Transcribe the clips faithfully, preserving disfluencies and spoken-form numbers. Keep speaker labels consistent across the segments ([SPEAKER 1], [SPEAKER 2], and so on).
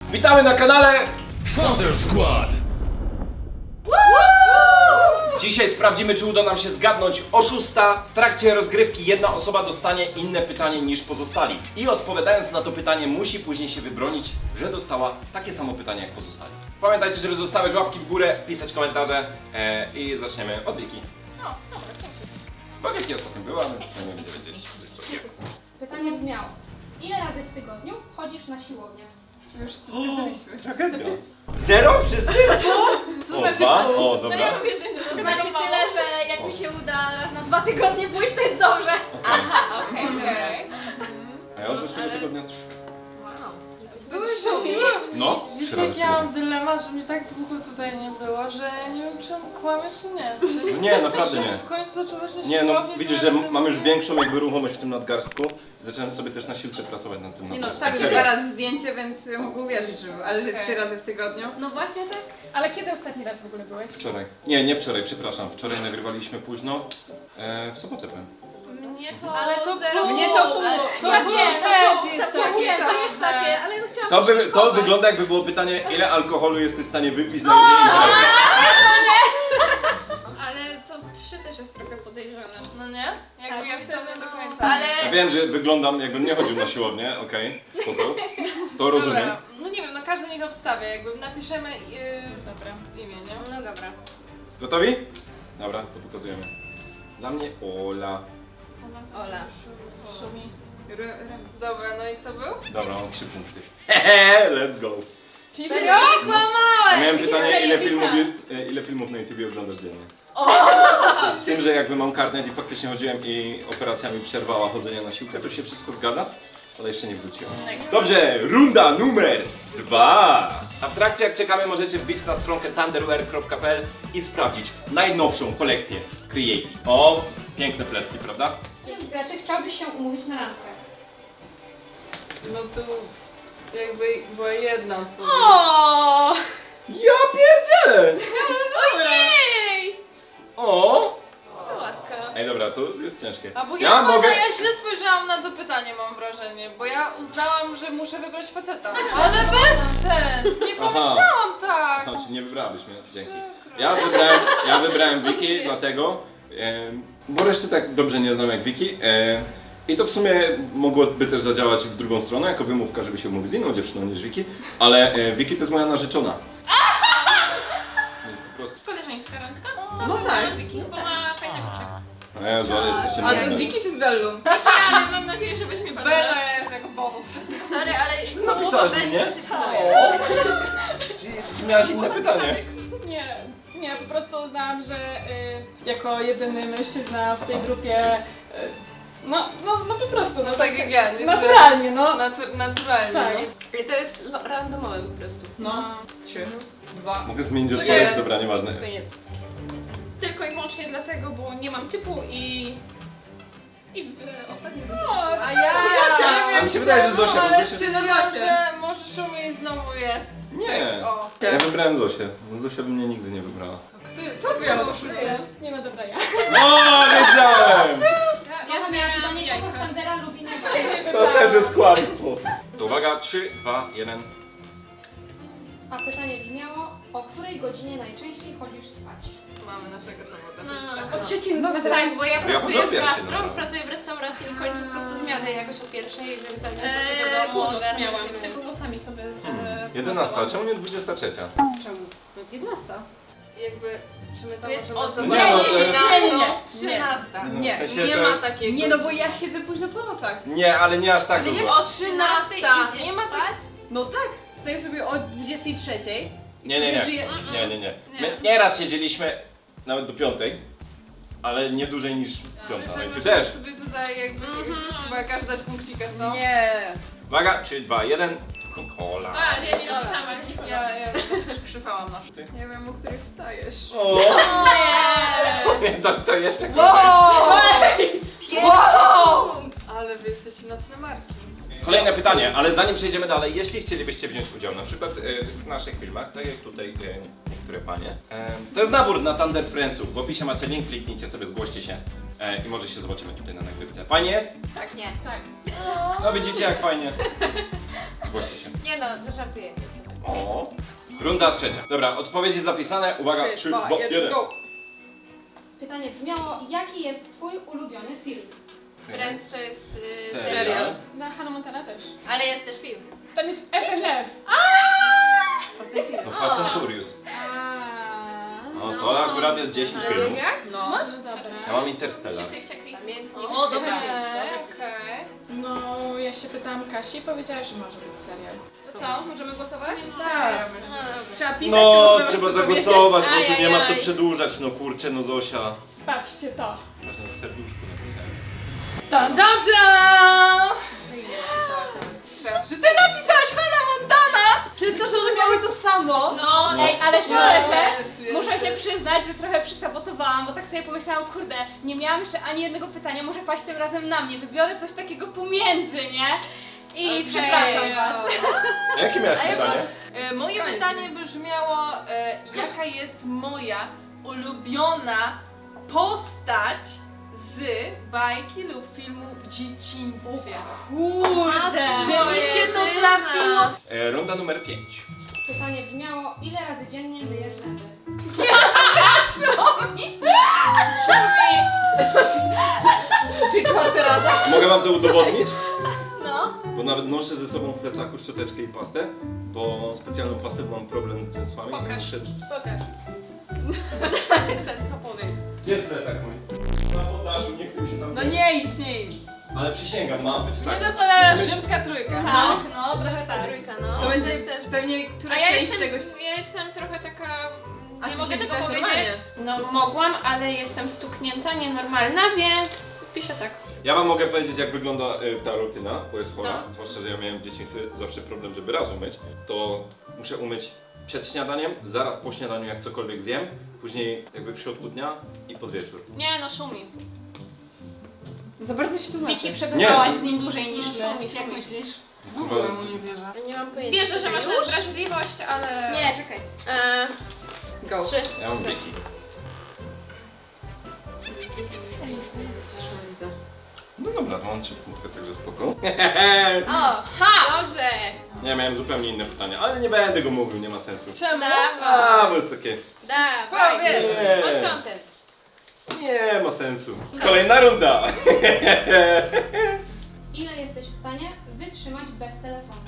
[SPEAKER 1] Witamy na kanale
[SPEAKER 2] Thunder Squad!
[SPEAKER 1] Dzisiaj sprawdzimy, czy uda nam się zgadnąć oszusta. W trakcie rozgrywki jedna osoba dostanie inne pytanie niż pozostali. I odpowiadając na to pytanie musi później się wybronić, że dostała takie samo pytanie jak pozostali. Pamiętajcie, żeby zostawiać łapki w górę, pisać komentarze e, i zaczniemy od Wiki.
[SPEAKER 3] No, dobra, dziękuję.
[SPEAKER 1] Bo Wiki ostatnio była, więc przynajmniej będzie wiedzieć. co wie.
[SPEAKER 3] Pytanie brzmiało: ile razy w tygodniu chodzisz na siłownię?
[SPEAKER 4] Już zapisaliśmy.
[SPEAKER 1] Tragedia. Zero? Wszyscy?
[SPEAKER 4] Co
[SPEAKER 1] O,
[SPEAKER 4] znaczy
[SPEAKER 1] dwa?
[SPEAKER 4] pół?
[SPEAKER 1] O,
[SPEAKER 4] No
[SPEAKER 1] dobra.
[SPEAKER 4] ja mam jedyny, to
[SPEAKER 3] To
[SPEAKER 4] znaczy
[SPEAKER 3] znaczy
[SPEAKER 4] tyle, że jak mi się uda raz na dwa tygodnie pójść, to jest dobrze. Aha, okej, okej.
[SPEAKER 1] A ja od zeszłego
[SPEAKER 4] ale-
[SPEAKER 1] tygodnia trzy.
[SPEAKER 4] Były
[SPEAKER 5] szumi.
[SPEAKER 1] No, trzy
[SPEAKER 5] Dzisiaj
[SPEAKER 1] razy w
[SPEAKER 5] ja mam
[SPEAKER 1] tygodniu.
[SPEAKER 5] dylemat, że mnie tak długo tutaj nie było, że nie wiem, czy on kłamie, czy nie. Czy,
[SPEAKER 1] No nie, naprawdę
[SPEAKER 5] czy
[SPEAKER 1] nie.
[SPEAKER 5] w końcu zaczęłaś na
[SPEAKER 1] Nie no,
[SPEAKER 5] siłowni
[SPEAKER 1] widzisz,
[SPEAKER 5] tyle
[SPEAKER 1] że
[SPEAKER 5] razy
[SPEAKER 1] mam już
[SPEAKER 5] mówić?
[SPEAKER 1] większą jakby ruchomość w tym nadgarstku. Zacząłem sobie też na siłce pracować nad tym
[SPEAKER 4] Nie no,
[SPEAKER 1] nadgarstkiem.
[SPEAKER 4] wstawił
[SPEAKER 1] Serio.
[SPEAKER 4] teraz zdjęcie, więc mogę uwierzyć, że był, ale że
[SPEAKER 5] Okej.
[SPEAKER 4] trzy razy w tygodniu. No właśnie tak.
[SPEAKER 6] Ale kiedy ostatni raz w ogóle byłeś?
[SPEAKER 1] Wczoraj. Nie, nie wczoraj, przepraszam. Wczoraj nagrywaliśmy późno. E, w sobotę powiem.
[SPEAKER 4] Mnie to
[SPEAKER 5] Ale to
[SPEAKER 4] zero.
[SPEAKER 5] pół.
[SPEAKER 4] Mnie to pół.
[SPEAKER 5] To
[SPEAKER 4] ja
[SPEAKER 5] pół
[SPEAKER 4] wiem,
[SPEAKER 5] też
[SPEAKER 4] to,
[SPEAKER 5] jest
[SPEAKER 4] to, ja
[SPEAKER 5] takie
[SPEAKER 4] wiem, to jest
[SPEAKER 5] trochę.
[SPEAKER 4] takie, ale no chciałam
[SPEAKER 1] To, by, to
[SPEAKER 4] przeskokować.
[SPEAKER 1] wygląda jakby było pytanie, ile alkoholu jesteś w stanie wypić
[SPEAKER 4] No!
[SPEAKER 1] na jednej imprezie.
[SPEAKER 4] Ale to trzy też jest trochę podejrzane.
[SPEAKER 5] No nie? Jakby
[SPEAKER 4] Tak,
[SPEAKER 5] ja
[SPEAKER 4] myślę,
[SPEAKER 5] wcale
[SPEAKER 4] że
[SPEAKER 5] do
[SPEAKER 4] no.
[SPEAKER 5] końca.
[SPEAKER 4] Ale-
[SPEAKER 1] Ja wiem, że wyglądam jakbym nie chodził na siłownię, okej, spoko. To rozumiem.
[SPEAKER 5] Dobra, no nie wiem, no każdy niech obstawia, jakby napiszemy yy,
[SPEAKER 6] Dobra.
[SPEAKER 5] imię, nie?
[SPEAKER 4] No dobra.
[SPEAKER 1] Gotowi? Dobra, to pokazujemy. Dla mnie Ola.
[SPEAKER 4] Ola.
[SPEAKER 5] Szumi.
[SPEAKER 4] R- R-
[SPEAKER 5] Dobra, no i kto był?
[SPEAKER 1] Dobra, mam trzy punkty. Hehe, let's go.
[SPEAKER 6] Czyli
[SPEAKER 5] Serio?
[SPEAKER 1] A
[SPEAKER 5] Kłamałeś!
[SPEAKER 1] miałem pytanie, ile
[SPEAKER 6] Wika.
[SPEAKER 1] filmów, e, ile filmów na YouTubie oglądasz dziennie? Z tym, że jakby mam karnet i faktycznie chodziłem i operacja mi przerwała chodzenie na siłkę, to się wszystko zgadza, ale jeszcze nie wróciłem. Dobrze, runda numer dwa. A w trakcie jak czekamy możecie wbić na stronkę thunderwear kropka p l i sprawdzić najnowszą kolekcję Creative. O, piękne plecki, prawda?
[SPEAKER 3] Czy chciałbyś się umówić na randkę?
[SPEAKER 5] No tu jakby była jedna odpowiedź.
[SPEAKER 4] O!
[SPEAKER 1] Ja pierdzielę!
[SPEAKER 4] Ojej!
[SPEAKER 1] O!
[SPEAKER 4] Sałatka.
[SPEAKER 1] Ej dobra, to jest ciężkie.
[SPEAKER 5] A bo ja,
[SPEAKER 1] Ja
[SPEAKER 5] mogę...
[SPEAKER 1] mogę...
[SPEAKER 5] ja źle spojrzałam na to pytanie, mam wrażenie, bo ja uznałam, że muszę wybrać faceta. Ale bez sens! Nie
[SPEAKER 1] Aha.
[SPEAKER 5] pomyślałam tak!
[SPEAKER 1] Aha, czyli nie wybrałabyś mnie, dzięki.
[SPEAKER 5] Przykro.
[SPEAKER 1] Ja wybrałem, ja wybrałem Wiki, dlatego, e, bo reszty tak dobrze nie znam jak Wiki. E, I to w sumie mogłoby też zadziałać w drugą stronę, jako wymówka, żeby się umówić z inną dziewczyną niż Wiki, ale e, Wiki to jest moja narzeczona. Więc po prostu...
[SPEAKER 4] Koleżeńska randka?
[SPEAKER 5] No tak.
[SPEAKER 4] Wiki, bo ma fajny kuczek.
[SPEAKER 1] O Jezu, ale jesteście
[SPEAKER 4] A to z
[SPEAKER 1] nudne.
[SPEAKER 4] Wiki czy z Bellą? Ale mam nadzieję, że weźmie
[SPEAKER 5] Z
[SPEAKER 4] Bellę.
[SPEAKER 5] Bella jest jako bonus.
[SPEAKER 4] Sorry, ale
[SPEAKER 1] Czy ty napisałaś mi, nie?
[SPEAKER 4] przysłuję.
[SPEAKER 1] Czy, czy miałaś inne pytanie?
[SPEAKER 6] Nie, nie, po prostu uznałam, że y, jako jedyny mężczyzna w tej grupie, y, no, no, no po prostu,
[SPEAKER 5] No tak jak ja, nie?
[SPEAKER 6] naturalnie, no.
[SPEAKER 5] Natu- naturalnie,
[SPEAKER 6] Tak.
[SPEAKER 5] no.
[SPEAKER 4] I to jest lo- randomowe po prostu.
[SPEAKER 6] No.
[SPEAKER 4] Trzy. Dwa.
[SPEAKER 1] Mogę zmienić
[SPEAKER 5] To
[SPEAKER 1] odpowiedź?
[SPEAKER 5] nie.
[SPEAKER 1] Dobra, nieważne.
[SPEAKER 4] Koniec. Tylko i wyłącznie dlatego, bo nie mam typu i... I w e, ostatnim rundzie.
[SPEAKER 5] A ja,
[SPEAKER 4] Zosia.
[SPEAKER 5] nie wiem
[SPEAKER 1] A mi się wydaje, że Zosia, bo
[SPEAKER 5] ale
[SPEAKER 1] Zosia-
[SPEAKER 5] stwierdziłam,
[SPEAKER 4] Zosia.
[SPEAKER 5] że może Szumi znowu jest.
[SPEAKER 1] Nie.
[SPEAKER 5] O.
[SPEAKER 1] Ja wybrałem Zosię. Zosia by mnie nigdy nie wybrała.
[SPEAKER 5] Kto jest?
[SPEAKER 6] Co
[SPEAKER 5] Ja
[SPEAKER 6] to
[SPEAKER 5] oszustem.
[SPEAKER 6] jest? Nie no dobra, ja.
[SPEAKER 1] O, wiedziałem!
[SPEAKER 3] Ja
[SPEAKER 4] zmieniam
[SPEAKER 3] pytanie, kogo
[SPEAKER 4] jajka.
[SPEAKER 3] z Thundera lubi najbardziej?
[SPEAKER 1] To też jest kłamstwo. To uwaga, trzy, dwa, jeden.
[SPEAKER 3] A pytanie brzmiało: o której godzinie najczęściej chodzisz spać?
[SPEAKER 5] Mamy naszego sabotażystę.
[SPEAKER 6] O trzeciej nocy.
[SPEAKER 7] Tak, bo ja
[SPEAKER 1] Ja
[SPEAKER 7] pracuję
[SPEAKER 1] chodzę o
[SPEAKER 7] w
[SPEAKER 1] pierwszej,
[SPEAKER 7] gastro,
[SPEAKER 1] no.
[SPEAKER 7] pracuję w restauracji i kończę po prostu zmianę jakoś o pierwszej, więc zanim
[SPEAKER 4] Eee,
[SPEAKER 7] wrócę do domu,
[SPEAKER 4] północ
[SPEAKER 7] ogarnę
[SPEAKER 4] miałam,
[SPEAKER 7] się,
[SPEAKER 4] tylko
[SPEAKER 7] więc...
[SPEAKER 4] włosami sobie e,
[SPEAKER 1] Hmm. jedenasta,
[SPEAKER 4] pomazałam.
[SPEAKER 1] czemu nie dwudziesta trzecia?
[SPEAKER 4] Czemu? No jedenasta.
[SPEAKER 5] Jakby, czy my
[SPEAKER 7] To
[SPEAKER 5] tam
[SPEAKER 7] jest
[SPEAKER 5] możemy
[SPEAKER 7] o
[SPEAKER 5] zobaczyć?
[SPEAKER 1] Nie, no, to-
[SPEAKER 7] trzynasta.
[SPEAKER 5] Trzynasta.
[SPEAKER 1] Nie, w sensie
[SPEAKER 5] Nie
[SPEAKER 1] to
[SPEAKER 5] ma
[SPEAKER 1] jest-
[SPEAKER 5] takiego.
[SPEAKER 4] Nie no, bo ja siedzę późno po nocach.
[SPEAKER 1] Nie, ale nie aż tak
[SPEAKER 5] Ale
[SPEAKER 1] długo.
[SPEAKER 5] jak
[SPEAKER 7] O trzynastej idziesz
[SPEAKER 5] Nie ma tak-
[SPEAKER 7] spać?
[SPEAKER 4] No tak, wstaję sobie o dwudziestej trzeciej. i
[SPEAKER 1] Nie, nie,
[SPEAKER 4] sobie
[SPEAKER 1] nie.
[SPEAKER 4] żyję-
[SPEAKER 1] Nie, nie, nie.
[SPEAKER 4] Nie.
[SPEAKER 1] My nieraz siedzieliśmy nawet do piątej, ale nie dłużej niż piąta. No i ty też.
[SPEAKER 5] sobie tutaj jakby,
[SPEAKER 4] Mhm.
[SPEAKER 5] chyba każdy dać punkcika, co?
[SPEAKER 4] Nie.
[SPEAKER 1] Uwaga, trzy, dwa, jeden. Coca-Cola.
[SPEAKER 4] A, nie, nie napisałam, nie
[SPEAKER 5] Ja,
[SPEAKER 4] napisałam.
[SPEAKER 5] ja też krzywałam na
[SPEAKER 1] Ty?
[SPEAKER 5] Nie wiem, o których wstajesz.
[SPEAKER 1] O!
[SPEAKER 5] Nie!
[SPEAKER 1] Nie, to, to jeszcze
[SPEAKER 5] Wow!
[SPEAKER 1] gorzej.
[SPEAKER 5] Wow! Ale wy jesteście nocne marki.
[SPEAKER 1] Kolejne pytanie, ale zanim przejdziemy dalej, jeśli chcielibyście wziąć udział na przykład e, w naszych filmach, tak jak tutaj e, niektóre panie, e, to jest nabór na Thunder Friendsów. W opisie macie link, kliknijcie sobie, zgłoście się e, i może się zobaczymy tutaj na nagrywce. Fajnie jest?
[SPEAKER 7] Tak, nie.
[SPEAKER 6] Tak.
[SPEAKER 1] No widzicie jak fajnie. Zgłoście się.
[SPEAKER 7] Nie no, zażartuję.
[SPEAKER 1] O. Runda trzecia. Dobra, odpowiedzi zapisane. Uwaga, trzy,
[SPEAKER 5] dwa,
[SPEAKER 1] dwa,
[SPEAKER 5] jeden,
[SPEAKER 1] jeden.
[SPEAKER 5] go!
[SPEAKER 3] Pytanie brzmiało, jaki jest twój ulubiony film?
[SPEAKER 7] Friends to jest y,
[SPEAKER 1] Serial.
[SPEAKER 7] serial.
[SPEAKER 6] Na Hannah Montana też.
[SPEAKER 7] Ale jest też film.
[SPEAKER 6] Tam jest F N F.
[SPEAKER 7] Fast and Furious.
[SPEAKER 1] No Fast and Furious.
[SPEAKER 6] A.
[SPEAKER 1] No to akurat jest dziesięć filmów.
[SPEAKER 5] Jak?
[SPEAKER 6] No,
[SPEAKER 5] Co masz?
[SPEAKER 6] no dobra.
[SPEAKER 1] Ja mam Interstellar.
[SPEAKER 4] Wszyscy wściekli.
[SPEAKER 7] Pamiętnik.
[SPEAKER 6] O, dobra.
[SPEAKER 5] Okej, okej.
[SPEAKER 6] No, ja się pytałam Kasi i powiedziała, że może być serial. To co? Możemy głosować?
[SPEAKER 5] Tak. Trzeba pisać,
[SPEAKER 1] No,
[SPEAKER 5] czy po
[SPEAKER 1] trzeba
[SPEAKER 5] prostu powiedzieć?
[SPEAKER 1] zagłosować, bo tu nie ma co
[SPEAKER 7] Ajajaj.
[SPEAKER 1] przedłużać. No kurczę, no Zosia.
[SPEAKER 6] Patrzcie to.
[SPEAKER 1] Ważne serduszko napisałem.
[SPEAKER 5] Da, da, da! Że ty napisałaś Hannah Montana! Przez to, że one miały to samo.
[SPEAKER 6] No,
[SPEAKER 1] No.
[SPEAKER 6] ej, ale szczerze,
[SPEAKER 5] Wiesz.
[SPEAKER 6] muszę się przyznać, że trochę przysabotowałam, bo tak sobie pomyślałam, kurde, nie miałam jeszcze ani jednego pytania, może paść tym razem na mnie, wybiorę coś takiego pomiędzy, nie? I
[SPEAKER 5] Okej.
[SPEAKER 6] przepraszam was.
[SPEAKER 1] A jakie miałeś
[SPEAKER 5] A ja
[SPEAKER 1] pytanie?
[SPEAKER 5] E, moje pytanie brzmiało, e, jaka jest moja ulubiona postać z bajki lub filmu w dzieciństwie?
[SPEAKER 6] Kurde.
[SPEAKER 5] Że mi się to trafiło.
[SPEAKER 1] E, runda numer pięć.
[SPEAKER 3] Pytanie brzmiało, ile razy dziennie myjesz zęby?
[SPEAKER 5] Trzy czwarte raza.
[SPEAKER 1] Mogę wam to udowodnić?
[SPEAKER 6] No.
[SPEAKER 1] Bo nawet noszę ze sobą w plecaku szczoteczkę i pastę, bo specjalną pastę, bo mam problem z dżensłami.
[SPEAKER 5] Pokaż.
[SPEAKER 1] Muszę...
[SPEAKER 5] Pokaż. Ten co powie.
[SPEAKER 1] Gdzie jest plecak mój? Na poddaszu, nie chcę mi się tam...
[SPEAKER 5] No nie idź, nie idź.
[SPEAKER 1] Ale przysięgam, ma być tak.
[SPEAKER 5] Nie zastanawiasz,
[SPEAKER 1] Musimy-
[SPEAKER 5] rzymska trójka.
[SPEAKER 6] Tak, no, trochę tak.
[SPEAKER 7] Trójka, no.
[SPEAKER 5] To będzie też pewnie która
[SPEAKER 4] A ja
[SPEAKER 5] część
[SPEAKER 4] jestem,
[SPEAKER 5] czegoś.
[SPEAKER 4] ja jestem trochę taka...
[SPEAKER 5] A
[SPEAKER 4] Nie
[SPEAKER 5] czy
[SPEAKER 4] mogę
[SPEAKER 5] się
[SPEAKER 4] tego
[SPEAKER 5] pisałaś
[SPEAKER 4] powiedzieć.
[SPEAKER 5] normalnie?
[SPEAKER 4] No mogłam, ale jestem stuknięta, nienormalna, więc piszę tak.
[SPEAKER 1] Ja wam mogę powiedzieć, jak wygląda y, ta rutyna, bo jest chora.
[SPEAKER 4] No.
[SPEAKER 1] Zwłaszcza, że ja miałem w dzieciństwie zawsze problem, żeby raz umyć. To muszę umyć przed śniadaniem, zaraz po śniadaniu, jak cokolwiek zjem, później jakby w środku dnia i pod wieczór.
[SPEAKER 4] Nie no, szumi.
[SPEAKER 5] Za bardzo się tłumaczy.
[SPEAKER 6] Wiki, przebywałaś
[SPEAKER 1] Nie.
[SPEAKER 6] z nim dłużej niż
[SPEAKER 4] No,
[SPEAKER 6] my.
[SPEAKER 4] szumi,
[SPEAKER 6] Jak
[SPEAKER 4] szumi.
[SPEAKER 6] myślisz?
[SPEAKER 5] W ogóle mu nie wierzę.
[SPEAKER 7] Nie mam pojęcia.
[SPEAKER 4] Wierzę, że masz
[SPEAKER 7] Już?
[SPEAKER 4] wrażliwość, ale...
[SPEAKER 6] Nie, czekajcie.
[SPEAKER 7] Eee,
[SPEAKER 5] Go.
[SPEAKER 7] trzy.
[SPEAKER 1] Ja mam wieki. No dobra, to mam trzy punkty, także spoko.
[SPEAKER 7] O, ha! Dobrze.
[SPEAKER 1] Nie, miałem zupełnie inne pytanie, ale nie będę go mówił, nie ma sensu.
[SPEAKER 5] Czemu?
[SPEAKER 1] A, bo jest takie...
[SPEAKER 7] Dawaj.
[SPEAKER 5] Powiedz.
[SPEAKER 1] Nie,
[SPEAKER 7] On content.
[SPEAKER 1] nie ma sensu. Kolejna runda.
[SPEAKER 3] Ile jesteś w stanie wytrzymać bez telefonu?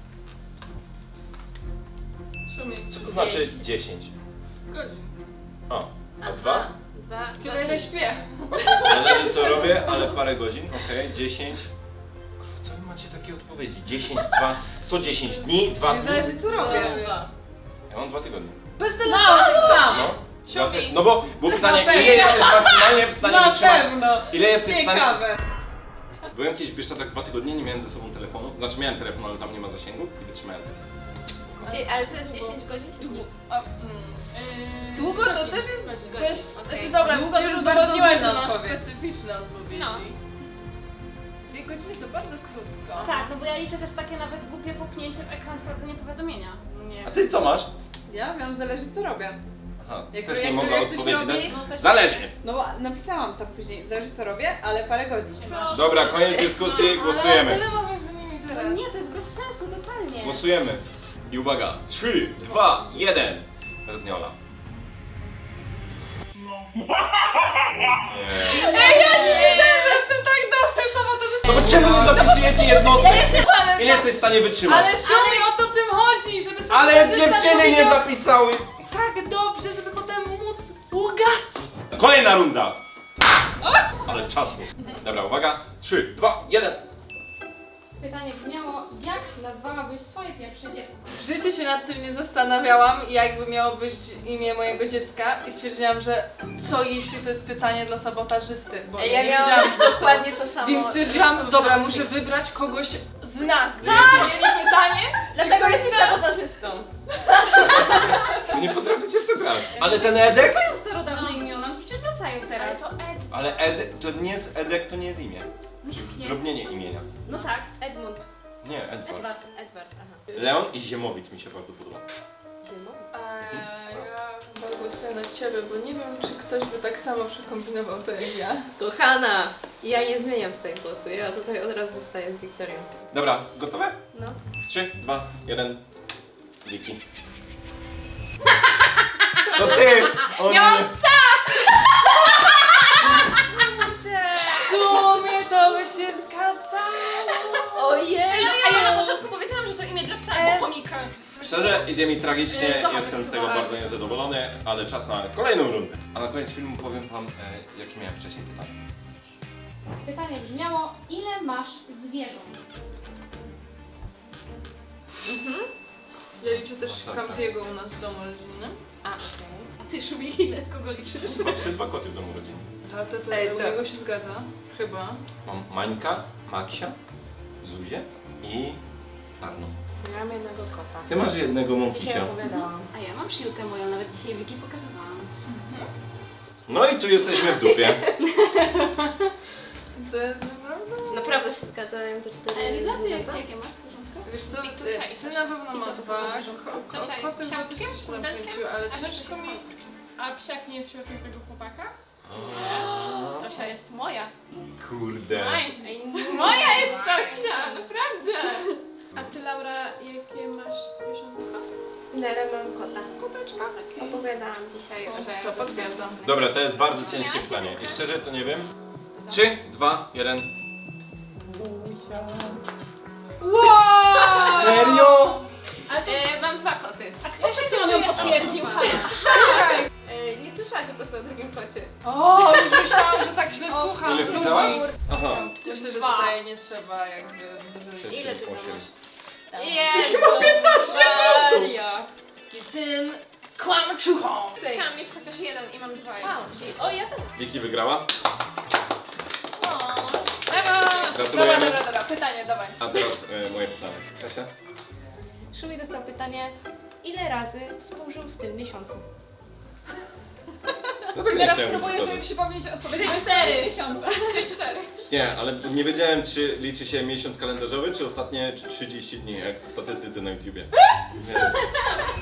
[SPEAKER 5] Szumi.
[SPEAKER 1] To znaczy dziesięć.
[SPEAKER 5] Godzin.
[SPEAKER 1] O, a dwa?
[SPEAKER 7] Dwa.
[SPEAKER 5] Tyle ile śpię.
[SPEAKER 1] Zależy co robię, ale parę godzin, okej, dziesięć. Kurwa, co wy macie takie odpowiedzi? dziesięć, dwa, co dziesięć dni, dwa
[SPEAKER 5] Nie
[SPEAKER 1] dni?
[SPEAKER 5] zależy co robię.
[SPEAKER 1] Ja mam dwa tygodnie.
[SPEAKER 5] Bez telefonu!
[SPEAKER 1] No,
[SPEAKER 4] Siódmi.
[SPEAKER 1] dwa ty- no bo było pytanie,
[SPEAKER 5] pewno.
[SPEAKER 1] ile jesteś maksymalnie w stanie wytrzymać?
[SPEAKER 5] pewno.
[SPEAKER 1] Ile jesteś w stanie...
[SPEAKER 5] Ciekawe.
[SPEAKER 1] Byłem kiedyś w Bieszczadach dwa tygodnie, nie miałem ze sobą telefonu. Znaczy miałem telefon, ale tam nie ma zasięgu i wytrzymałem.
[SPEAKER 7] Dzie- Ale to jest dziesięć godzin czy nie?
[SPEAKER 5] A, mm.
[SPEAKER 6] Yy,
[SPEAKER 5] Długo to
[SPEAKER 6] godzin,
[SPEAKER 5] też jest...
[SPEAKER 6] godzin.
[SPEAKER 5] Też,
[SPEAKER 7] Okej.
[SPEAKER 5] znaczy dobra,
[SPEAKER 7] Długo
[SPEAKER 5] ty
[SPEAKER 7] to
[SPEAKER 5] już
[SPEAKER 7] jest bardzo
[SPEAKER 5] udowodniłaś, że
[SPEAKER 7] duża
[SPEAKER 5] masz
[SPEAKER 7] odpowiedź.
[SPEAKER 5] specyficzne odpowiedzi.
[SPEAKER 4] No.
[SPEAKER 5] Dwie godziny to bardzo krótko.
[SPEAKER 6] Tak, no bo ja liczę też takie nawet głupie popchnięcie w ekran sprawdzenie powiadomienia. Nie.
[SPEAKER 1] A ty co masz?
[SPEAKER 5] Ja wiem, zależy co robię.
[SPEAKER 1] Aha,
[SPEAKER 5] Jak-
[SPEAKER 1] też
[SPEAKER 5] jak-
[SPEAKER 1] nie mogę
[SPEAKER 5] jak coś
[SPEAKER 1] odpowiedzieć
[SPEAKER 5] robi,
[SPEAKER 1] na...
[SPEAKER 6] No też
[SPEAKER 1] Zależy!
[SPEAKER 5] No napisałam tam później, zależy co robię, ale parę godzin.
[SPEAKER 6] Proszę.
[SPEAKER 1] Dobra, koniec dyskusji,
[SPEAKER 5] Ale
[SPEAKER 1] głosujemy.
[SPEAKER 5] tyle mam między nimi
[SPEAKER 6] No
[SPEAKER 5] teraz.
[SPEAKER 6] nie, to jest bez sensu, totalnie.
[SPEAKER 1] Głosujemy. I uwaga, trzy, dwa, jeden. Radniola. Nie.
[SPEAKER 5] Ej, ja nie wiedziałem, że jestem tak dobrym sabotażystą.
[SPEAKER 1] No bo czemu nie zapisujecie jednostek?
[SPEAKER 5] Ale,
[SPEAKER 1] Ile jesteś w stanie wytrzymać?
[SPEAKER 5] ale Szumi, o to w tym chodzi, żeby sobie
[SPEAKER 1] Ale
[SPEAKER 5] sabotażysta
[SPEAKER 1] dziewczyny nie
[SPEAKER 5] powiedział
[SPEAKER 1] zapisały!
[SPEAKER 5] tak dobrze, żeby potem móc łgać.
[SPEAKER 1] Kolejna runda! Ale czas był. Dobra, uwaga. trzy, dwa, jeden.
[SPEAKER 3] Pytanie brzmiało, jak nazwałabyś swoje pierwsze dziecko?
[SPEAKER 5] W życiu się nad tym nie zastanawiałam, jakby miało być imię mojego dziecka i stwierdziłam, że co jeśli to jest pytanie dla sabotażysty, bo
[SPEAKER 7] Ej,
[SPEAKER 5] ja
[SPEAKER 7] ja
[SPEAKER 5] nie
[SPEAKER 7] miałam
[SPEAKER 5] wiedziałam co.
[SPEAKER 7] dokładnie to samo.
[SPEAKER 5] Więc stwierdziłam,
[SPEAKER 7] To
[SPEAKER 5] dobra,
[SPEAKER 7] samo
[SPEAKER 5] muszę
[SPEAKER 7] z nim.
[SPEAKER 5] wybrać kogoś z nas, gdybyście mieli pytanie.
[SPEAKER 7] Dlatego
[SPEAKER 5] ktoś
[SPEAKER 7] jesteś
[SPEAKER 5] zna-
[SPEAKER 7] sabotażystą.
[SPEAKER 1] Wy nie potraficie w to grać. Ale ten Edek?
[SPEAKER 6] To jest starodawne imiona, no przecież wracają teraz.
[SPEAKER 7] Ale to Ed.
[SPEAKER 1] Ale Edek, to nie jest Edek, to nie jest imię. To jest zdrobnienie imienia.
[SPEAKER 6] No tak,
[SPEAKER 7] Edmund.
[SPEAKER 1] Nie, Edward.
[SPEAKER 6] Edward.
[SPEAKER 7] Edward, aha.
[SPEAKER 1] Leon i Ziemowit mi się bardzo podoba.
[SPEAKER 7] Ziemą?
[SPEAKER 5] Eee, ja chyba głosuję na ciebie, bo nie wiem, czy ktoś by tak samo przekombinował to jak ja.
[SPEAKER 7] Kochana, ja nie zmieniam tutaj głosu, ja tutaj od razu zostaję z Wiktorią.
[SPEAKER 1] Dobra, gotowe?
[SPEAKER 7] No.
[SPEAKER 1] trzy, dwa, jeden. Wiki. To ty! O nie!
[SPEAKER 5] W sumie to by się zgadzało.
[SPEAKER 7] Ojej!
[SPEAKER 4] A ja na początku powiedziałam, że to imię dla psa albo chomika.
[SPEAKER 1] Szczerze, idzie mi tragicznie,
[SPEAKER 6] Zobacz,
[SPEAKER 1] jestem z tego
[SPEAKER 6] zobacz.
[SPEAKER 1] bardzo niezadowolony, ale czas na kolejną rundę. A na koniec filmu powiem wam, e, jakie miałem wcześniej pytanie.
[SPEAKER 3] Pytanie brzmiało, ile masz zwierząt?
[SPEAKER 5] Ja liczę też
[SPEAKER 1] Masakra.
[SPEAKER 5] Campiego u nas w domu rodzinnym.
[SPEAKER 7] A, okej.
[SPEAKER 6] A ty, Szubi, ile kogo liczysz?
[SPEAKER 1] Mam psy, dwa koty w domu rodzinnym.
[SPEAKER 5] Tato, to
[SPEAKER 7] Ej,
[SPEAKER 5] u
[SPEAKER 7] tak.
[SPEAKER 5] niego się zgadza. Chyba.
[SPEAKER 1] Mam Mańka, Maksia, Zuzię i Arno.
[SPEAKER 7] Ja mam jednego kota.
[SPEAKER 1] Ty masz jednego
[SPEAKER 7] Dzisiaj
[SPEAKER 1] mąkisia.
[SPEAKER 7] opowiadałam.
[SPEAKER 6] A ja mam Szilkę moją, nawet dzisiaj Wiki pokazywałam.
[SPEAKER 1] No i tu jesteśmy w dupie.
[SPEAKER 5] To jest naprawdę...
[SPEAKER 7] Naprawdę się zgadzają te cztery
[SPEAKER 6] A Eliza, ty jak,
[SPEAKER 7] zwierzęta?
[SPEAKER 6] jakie masz zwierzątka?
[SPEAKER 5] Wiesz co,
[SPEAKER 4] Wiktusia
[SPEAKER 5] e,
[SPEAKER 4] i
[SPEAKER 5] psy
[SPEAKER 4] Tosia.
[SPEAKER 5] na pewno
[SPEAKER 6] I
[SPEAKER 5] ma
[SPEAKER 6] co to są
[SPEAKER 5] dwa,
[SPEAKER 6] za zwierzątka?
[SPEAKER 5] ko- ko-
[SPEAKER 4] Tosia jest
[SPEAKER 5] koty chyba też
[SPEAKER 4] psiaczkiem,
[SPEAKER 5] coś się
[SPEAKER 4] pudelkiem,
[SPEAKER 5] nakręciły, ale
[SPEAKER 4] a
[SPEAKER 5] ciężko
[SPEAKER 4] Wiktusia
[SPEAKER 5] mi...
[SPEAKER 4] jest
[SPEAKER 6] A psiak nie jest wśród tego chłopaka?
[SPEAKER 4] Tosia jest moja.
[SPEAKER 1] Kurde.
[SPEAKER 4] Ej, moja jest Tosia, naprawdę.
[SPEAKER 6] A ty, Laura, jakie masz zwierzątka?
[SPEAKER 7] Nele mam kota.
[SPEAKER 4] Koteczka.
[SPEAKER 7] Opowiadałam dzisiaj, że
[SPEAKER 5] To potwierdzam.
[SPEAKER 1] Dobra, to jest bardzo ciężkie pytanie. I szczerze to nie wiem. trzy, dwa, jeden.
[SPEAKER 5] Wow!
[SPEAKER 1] Serio?
[SPEAKER 6] A, to,
[SPEAKER 4] E, mam dwa koty.
[SPEAKER 6] a kto przed chwilą ją potwierdził?
[SPEAKER 5] Czekaj!
[SPEAKER 4] E, nie słyszałaś po prostu o drugim kocie.
[SPEAKER 5] O, już myślałam, że tak źle słucham
[SPEAKER 1] Ile
[SPEAKER 5] ludzi.
[SPEAKER 1] pisałaś? Aha.
[SPEAKER 5] Myślę, że
[SPEAKER 4] Dwa.
[SPEAKER 5] tutaj nie trzeba jakby...
[SPEAKER 1] Sześć,
[SPEAKER 7] Ile ty
[SPEAKER 1] osiem.
[SPEAKER 7] masz?
[SPEAKER 4] Jezus Maria.
[SPEAKER 5] Jestem kłamczuchą!
[SPEAKER 4] Chciałam mieć chociaż jeden i mam dwa.
[SPEAKER 7] O, ja też.
[SPEAKER 1] Wiki wygrała.
[SPEAKER 4] O,
[SPEAKER 5] Dobra,
[SPEAKER 1] Gratulujemy.
[SPEAKER 5] dobra, dobra, pytanie, dawaj.
[SPEAKER 1] A teraz e, moje pytanie. Kasia?
[SPEAKER 3] Szumi dostał pytanie, ile razy współżył w tym miesiącu?
[SPEAKER 1] Dlatego nie
[SPEAKER 6] Teraz
[SPEAKER 1] chciałem
[SPEAKER 6] próbuję sobie
[SPEAKER 1] powtarzać.
[SPEAKER 6] przypomnieć odpowiedź na cztery miesiące.
[SPEAKER 4] trzy, cztery.
[SPEAKER 1] Nie, ale nie wiedziałem, czy liczy się miesiąc kalendarzowy, czy ostatnie trzydzieści dni, jak w statystyce na YouTubie. Więc